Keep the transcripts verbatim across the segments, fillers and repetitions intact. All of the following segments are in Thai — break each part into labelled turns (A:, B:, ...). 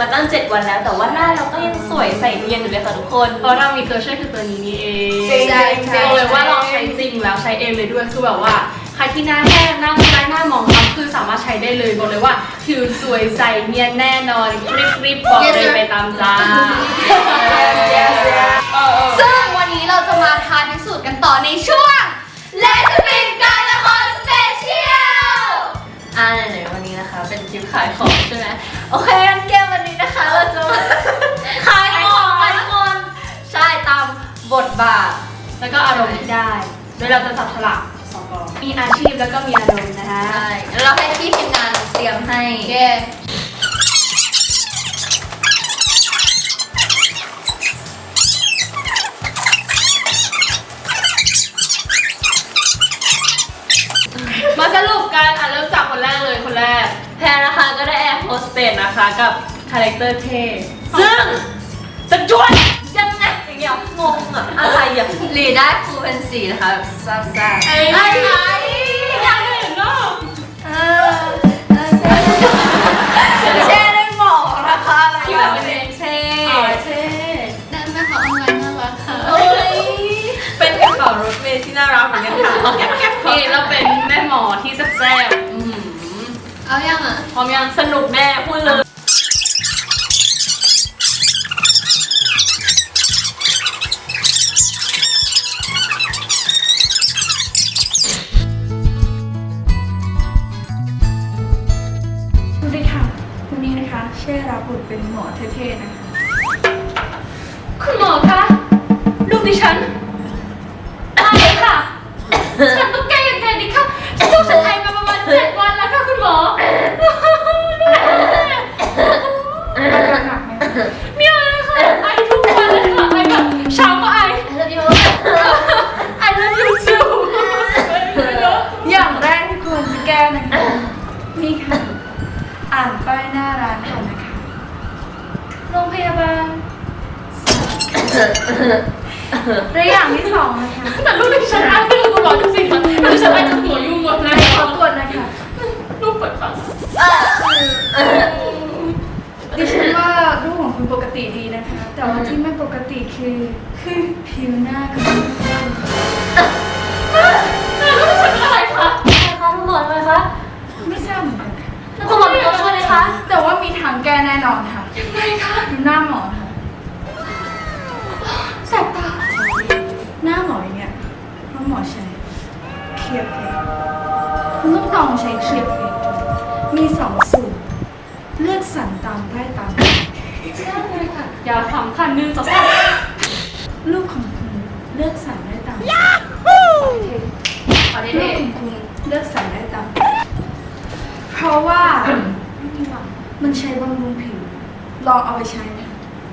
A: มาตั้งเจ็ดวันแล้วแต่ว่าหน้าเราก็ยังสวยใสเนียนอยู่เลยค่ะทุกคนเพราะเรามีตัวช่วยคือตัวนี้นี่เองจริงๆบอกเลยว่าลองใช้จริงแล้วใช้เองเลยด้วยคือแบบว่าใครที่หน้าแห้งหน้าคล้ายหน้ามองคล้ำคือสามารถใช้ได้เลยบอกเลยว่าผิวสวยใสเนียนแน่นอนกริบกริบบอกเลยไปตามจ้า
B: ซึ่งวันนี้เราจะมาทายพิสูจน์กันต่อในช่วงเลสปินการละครสเปเชียล
A: อ่าไหนๆวันนี้นะคะเป็นคลิปขายของใช่ไหมโอเคงั้นเกมวันนี้นะคะเราจะมาขายของกันทุกคนใช่ตามบทบาทแล้วก็อารมณ์ที่ได้โดยเราจะจับฉลากสองกองมีอาชีพแล้วก็มีอารมณ์นะคะ
B: ใช่แล้วเราให้พี่ทีมงานเตรียมให้เย้
A: มาสรุปกันอ่ะเริ่มจากคนแรกเลยคนแรกแพรนะคะก็ได้แอร์โฮสเตสนะคะกับคาแรคเตอร์เท่ซึ่งจะจวนยังไงอย่างเงี้ยงงอะอะไรอะ
B: ลีได้ครูเป็นสีนะคะแบบซ่าซ่า
A: ไอ้ไอ้อยากเห็นเนาะ
B: เออเช่ได้บอกนะคะ
A: ที่แบบเป็นเช่เช่
B: ได้แม่ขอเอาเงินน่ารักค่ะ
A: เป็นกระเป๋ารถเมล์ที่น่ารักเหมือนกันค่ะแก๊บแก๊บนี่เราเป็นแม่หมอที่แซ่บๆ
B: เอายังอ่ะ
A: พร้อมยังสนุกแน่พูดเลย
C: สวัสดีค่ะวันนี้นะคะเช่รับบทเป็นหมอเท่ๆนะคะ
A: คุณหมอคะลูกดิฉันตายแล้วค่ะฉันต้องแก้ยังไงดีคะฉันต้องฉันไอมาประมาณเจ็ดวันแล้วค่ะคุณหมอ
C: อาการหนักไหม
A: ไม่เอาเลยค่ะไอทุกวันเลยค่ะไอแบบเช้าก็ไอ
B: ไอเลิฟยู
A: ไอเลิฟยูจู
C: อย่างแรกที่ควรจะแก้นะคะนี่ค่ะอ่านป้ายหน้าร้านก่อนนะคะโรงพยาบาลและอย่างที่สองนะคะ
A: แต่ลูกดิฉันไอไม่รู้คุณหมอจริงๆค่ะลูกดิฉันไอจะหัวยุ่งหมดเลย
C: ขอกดนะคะ
A: ลูกเปิดฟัง
C: ดิฉันว่ารูปของคุณปกติดีนะคะแต่ว่าที่ไม่ปกติคือคือผิวหน้าของคุณ
A: ลูกดิฉันเป็นอะไรคะอะไรคะคุณหมอทำไมคะ
C: ไม่ทราบเหมือนกันค่ะ
A: คุณหมอมีตัวช่วยไหมคะ
C: แต่ว่ามีทางแก้แน่นอนค่ะ
A: ยังไงคะ
C: ดูหน้าหมอค่ะ
A: แสบตา
C: หน้าหมออย่างเงี้ยเพราะหมอใช้เคลียร์เฟสคุณต้องลองใช้เคลียร์เฟสมีสองสูตรเลือกสรรตามได้ตาม
A: ได้เลยค่ะอย่าขำค่ะนึงจะแซ่บ
C: ลูกของคุณเลือกสรรได้ตาม
A: ยาฮู
C: ลูกของคุณเลือกสรรได้ตามเพราะว่ามันใช้บำรุงผิวลองเอาไปใช้ไหม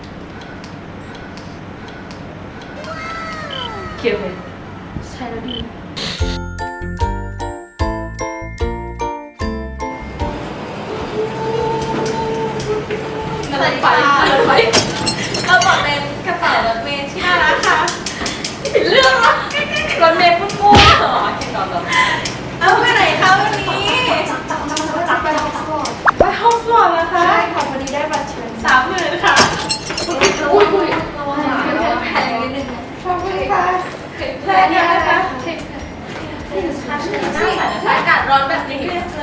A: เกี่ยวเลย
C: ใช้แล้วดี
A: กระเป๋ารถไฟกระเป๋าเป็นกระเป๋ารถเมล์ที่น่ารักค่ะเรื่องละรถเมล์ปุ๊บปุ๊บอ๋อแค่นอนแบบเอาไปไหนคะวันนี้ไปห้องสวดแล้วคะ
C: ใช่ค่ะวันนี้ได้บัตรเชิญ
A: สามหมื่นค่ะ
C: อุ้ยอุ้ยระวังแพงนิดนึง
A: ขอบคุณค่ะแพงเยอะนะคะอากาศร้อนแบบนี้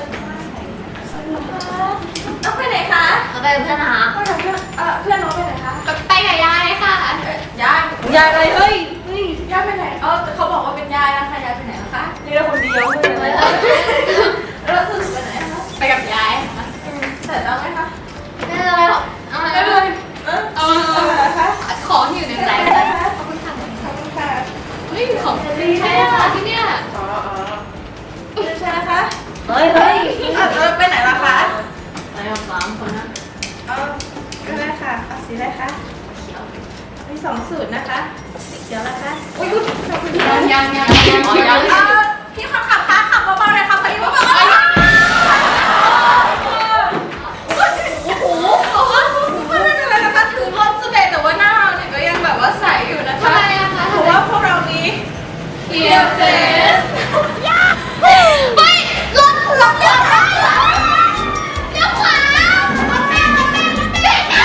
A: ต้องไปไหนคะ
B: เอาไปเพื่อนนะคะ
A: ไปกับเพื่อนเอ่อเพื่อนน้องไปไหนคะ
B: ไปกับยายค่ะ
A: ยายยายอะไรเฮ้ย
C: ยายไปไหน
A: เออเขาบอกว่าเป็นยายนะคะยายไปไหนนะคะนี่เราคนเดียวเลยแล้วสรุปไปไหนคะไปกับยายเสร็จแล้วไหมคะ
B: ไม่เป็นไรหรอกเอา
A: ไม่เป็นไรเออเอาอะไรคะ
B: ของที่อยู่ในใจ
A: ขอบคุณค่ะขอบคุณค่ะ
B: เฮ้ยของดีใช่ไหมคะที่เนี่ย
A: อ๋ออ๋อใช่นะคะเฮ้ยเฮ้ยเออไปไหนล่ะคะไปกับสามคนนะเออก็ได้ค่ะเอาสีอะไรคะเขียวมีสองสูตรนะคะสีเขียวนะคะอุ้ยขอบคุณค่ะ
B: ยังยังยังยัง
A: พี่ขับขับค่ะขับเบาๆเลยค่ะพี่เบาๆโอ้โหไม่เป็นไรนะคะถือรถสเตย์แต่ว่าหน้าเราเนี่ยก็ยังแบบว่าใสอยู่นะคะเพราะว่าพวกเรานี้เกียร์เฟส
B: ไปรถรถเลี้ยวซ้ายเลี้ยวขวารถแม่รถแม่รถแม่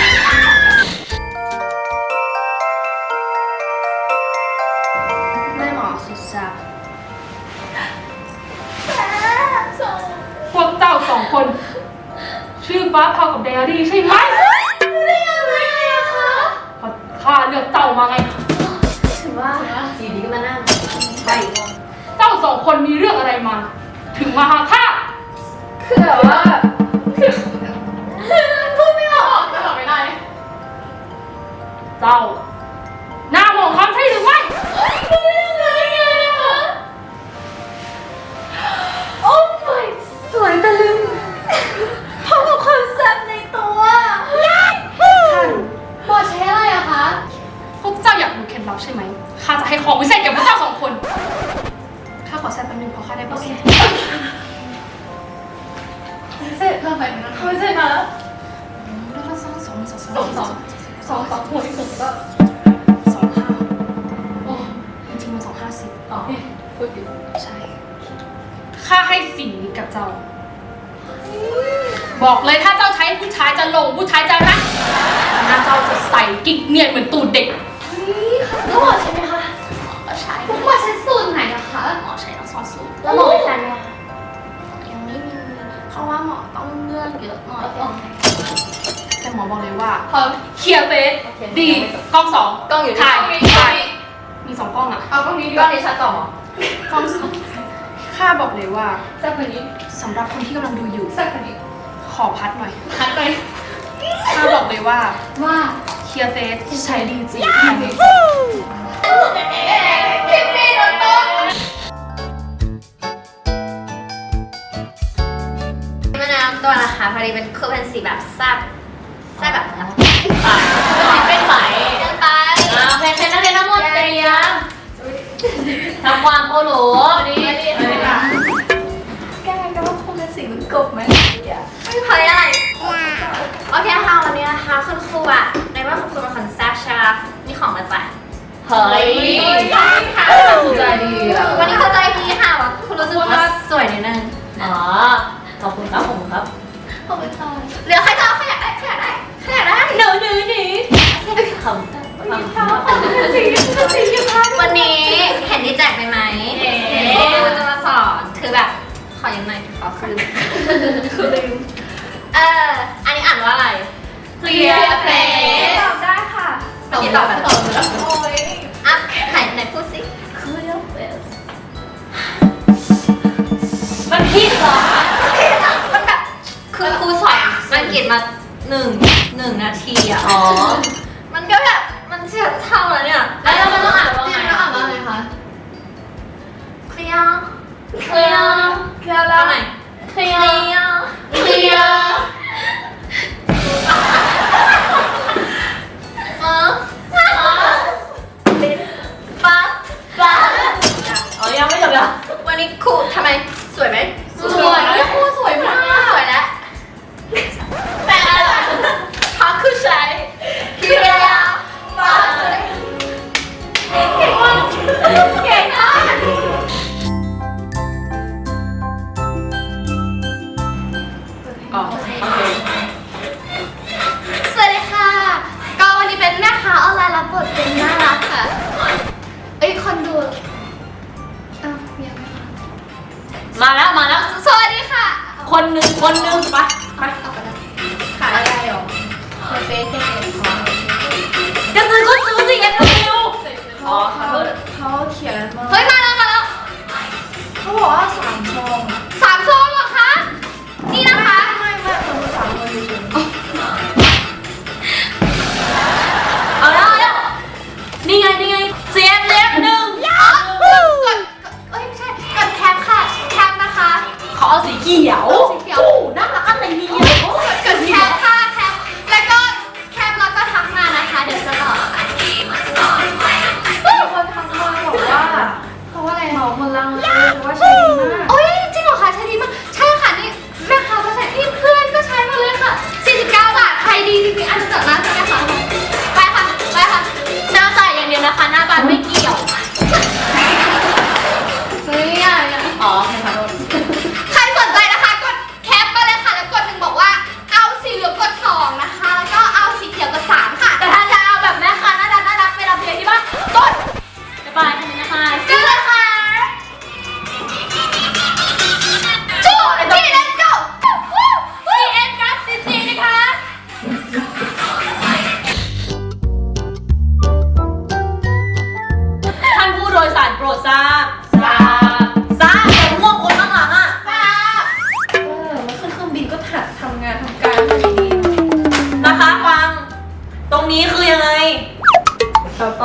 A: ชื่อฟ้าเผากับไดอารี่ใช่ไหม
B: รู้ได้ยังไงอะคะ
A: เพราะข้าเลือกเจ้ามาไง
B: ถือว่าอยู่ดีก็มานั่ง
A: ใช่เจ้าสองคนมีเรื่องอะไรมา ถึงมาหาข้า
B: คือแบบว่าพูดไม่ออกจะบอกไม่ได้
A: เจ้า หน้าหมองคำใช่หรือไม่
B: รู้ได้ยังไงอะโอ้ my สวยตะลึงพร้อมกับความแซ่บในตัวท่านบอดใช้อะไรอะคะ
A: พวกเจ้าอยากรู้เคล็ดลับใช่ไหม ข้าจะให้ของวิเศษแก่พวกเจ้าสองคน ข้าขอแซ่บแป๊บนึงเพราะข้าได้โปรแกรม
B: เสร็จเพิ่มไปนะเขาเสร็จมาแล้ว
A: แล้วก็สองสองสอง
B: สองสองสองสองหัวที่สุดก็
A: สองห้า
B: โอ้
A: จริงๆมันสองห้าสิบ
B: อ๋อพูดผิด
A: ใช่ ข้าให้สิ่งนี้กับเจ้า บอกเลยถ้าเจ้าใช้ผู้ชายจะหลงผู้ชายจะรักหน้าเจ้าจะใส่กิ๊กเนียนเหมือนตูดเด็ก
B: แล้วหมอใช่ไหมคะ
A: ก็ใช้
B: หมอใช้สูตรไหนอะคะ
A: หมอใช้ทั้งสองสูตร
B: แล้วหมอเป็นแฟนไหมคะ
A: ยังไม่มีเพราะว่าหมอต้องเลือกเยอะหน่อยแต่หมอบอกเลยว่า
B: พร้อม
A: เคลียร์เฟส
B: โอเค
A: ดีกล้องสอง
B: กล้องอยู่ที่
A: ถ่าย
B: กล้องนี้
A: ถ่ายมีสองกล้องอ่ะ
B: เอากล้องนี้ดีกว่านี้ชัดต่อหมอก
A: ล้องสองข้าบอกเลยว่า
B: แซ่บกว่านี้
A: สำหรับคนที่กำลังดูอยู่
B: แซ่บกว่านี้
A: ขอพัดหน่อย
B: พัดไป
A: ข้าบอกเลยว่า
B: ว่า
A: เคลียร์เฟสใช้ดีจริง
B: คลิปนี้โดนต้น
D: มะนาวตัวนะคะพอดีเป็นคือเป็นสีแบบแซ่บแซ่บแบบน้ำเป็นไหมเดินไปโอเคเช่นนักเรียนทั้งหมดเตรียมทำความโอโหลดี
C: แกก็ว่าคงเป็นสีมันกบไหม
D: ไม่พออะไรโอเคค่ะวันนี้นะคะคุณครูอ่ะในว่าคุณครูเป็นคนแซ่บใช่ไหมมีของมาแจกเฮ้ยค่ะ
B: ใจดีอ่ะ
D: วันนี้เข้าใจดีค่ะว่าคุณรู้สึกว่าสวยนิดนึงอ๋อขอบคุณครับผมครับ
B: ขอบคุณค่ะ
D: เหลือใครจะเอาใครอยากได้ใครอยากได้ใครอยากได้หนูหนูหนูขอบคุณวันนี้เห็นที่แจกไปไหมครูจะมาสอนคือแบบขอยังไงขอคืนคือลืมเอออันนี้อ่านว่าอะไร
A: Clear Face
C: ตอบได้ค่ะ
D: เมื่อกี้ตอบแบบ
B: ตอบแล้ว
C: โอ้ย
D: อ่ะไหนไหนพูดสิ
C: Clear face
D: มันผิดเหรอมันแบบคือครูสอนอังกฤษมาหนึ่งหนึ่งนาทีอ่ะอ๋อมันก็แบบมันเชื่อเท่าแล้วเนี่ย
B: แล้วเราต้องอ่านว่าไงต้องอ่านว่าไงคะ
D: เคลียร์
B: เคลียร์
C: เคลียร์แล้ว
D: ทำไม
B: เคลี
D: เค
B: ย
D: ลี
B: ร์
D: ยร์
B: เคลียร์
D: เออปั๊บปั๊บ
B: อ๋อยังไม่จบแล้ว
D: วันนี้ครูทำไมสวยไหม
B: สวยครูสวยมาก
D: สวยแล้วแต่อะไรพักคือใช้เคลียร์ปั๊บเก่งมากเก่งมาก
A: อ๋อโอเค
B: สวัสดีค่ะ ก็วันนี้เป็นแม่ค้าออนไลน์รับบทเป็นน่ารักค่ะ เอ้ยคนดูอ้าวยังไม่มา
D: มาแล้วมาแล้ว
B: สวัสดีค่ะ
A: คนหนึ่งคนหนึ่งไปไป
B: เอาไปนะขายอะไรหรอเฟซเฟซเฟซของ
D: จะซื้อก็ซื้อสิกันดู
C: อ๋อเขาเขาเขียนมา
B: เฮ้ยมาแล้วมาแล้ว
C: เขาบอกว่าสามช่อง
B: สามซองเหรอคะ นี่นะคะ
C: ไม่ไม่คนดูสามคนเฉย
D: เอาแล้วเอาแล้วนี่ไงนี่ไงเสียบเสียบหนึ่ง
B: กดกดเอ้ยไม่ใช่ กดแคปค่ะ แคปนะคะ
A: ขอเอาสีเขียว
B: สีเขียว
A: โอ้น่ารักอะไรเนี่ย
B: กดแคปค่ะแคปแล้วก็แคปแล้วก็ทักมานะคะ เดี๋ยวจะตอบค่ะ
C: ๆมีคนทักมาบอกว่า
B: เพราะว่าอะไร
C: เหมาหมดลังเลยว่าใช้ดีมาก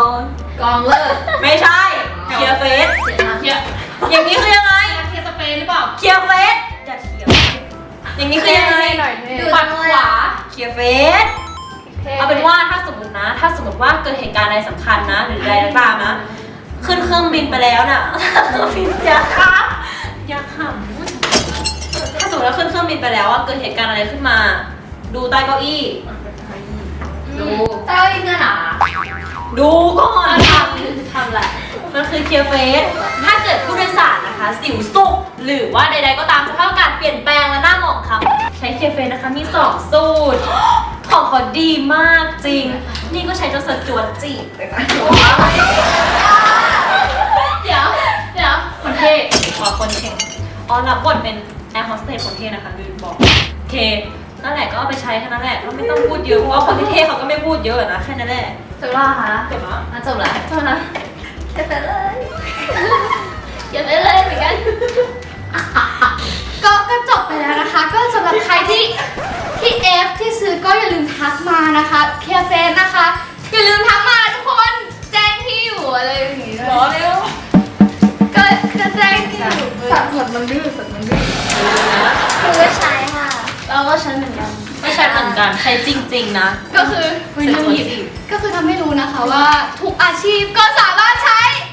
B: ก่อน
D: กองเลิก
B: ไม่ใช่เคลียร์เฟส
A: เคลียร์
B: อย่างนี้คือยังไง
A: เคลียร์สเปรย์หรือเปล่า
B: เคลียร์เฟสอย่าเถียงอย่างนี้คือยังไง
A: หน่อย
D: ดู
A: ปัดขวา
B: เคลียร์เฟสเอาเป็นว่าถ้าสมมตินะ ถ้าสมมติว่าเกิดเหตุการณ์อะไรสำคัญนะ หรืออะไรก็ตามนะ ขึ้นเครื่องบินไปแล้วน่ะ เครื่องบินอย่าขำอย่าขำถ้าสมมติว่าขึ้นเครื่องบินไปแล้วว่าเกิดเหตุการณ์อะไรขึ้นมา ดูใต้เก้าอี้
D: ดูเจ้าอีกเงื่อนหรอ
B: ดูก่อน
D: ทำทำแหละ
B: มันคือเคลียร์เฟส ถ้าเกิดผู้โดยสารนะคะ สิวสุกหรือว่าใดๆก็ตามสภาพอากาศเปลี่ยนแปลงและหน้าหมองคล้ำใช้เคลียร์เฟสนะคะ มีสองสูตร ของเขาดีมากจริง นี่ก็ใช้จนสจวดจีบเลยนะ
A: เดี๋ยวเดี๋ยวคนเท่
B: ขอคนเก่งอ๋อรับบทเป็นแอร์โฮสเตสคนเท่นะคะลืมบอกโอเคนั่นแหละก็เอาไปใช้แค่นั้นแหละก็ไม่ต้องพูดเยอะเพราะว่าคนที่เท่เขาก็ไม่พูดเยอะนะแค่นั้นแหละ
D: จบแล้วคะ
B: จบแล้ว
D: อ่ะจบแล้ว
A: เท่านั้น
D: เก็บไปเลยเก็บไปเลยเหมือนกัน
C: ก็ก็จบไปแล้วนะคะ ก็สำหรับใครที่ที่เอฟที่ซื้อก็อย่าลืมทักมานะคะเคลียร์เฟซนะคะ อย่าลืมทักมาทุกคนแจ้งที่อยู่อะไรอย่างงี้ด้วย
B: รอเร็ว
C: ก็จะแจ้งที่อยู่สัตว์สัตว์มันดื้อสัตว์มันดื้อ
D: คือก็ใช้ค่ะ
C: เราก็ใช้เหมือนกัน
B: ไม่ใช่เหมือนกันใช้จริง ๆ นะ
C: ก็คือ
B: เรื่องหยิบ
C: ก็คือทำให้รู้นะคะว่าทุกอาชีพก็สามารถใช้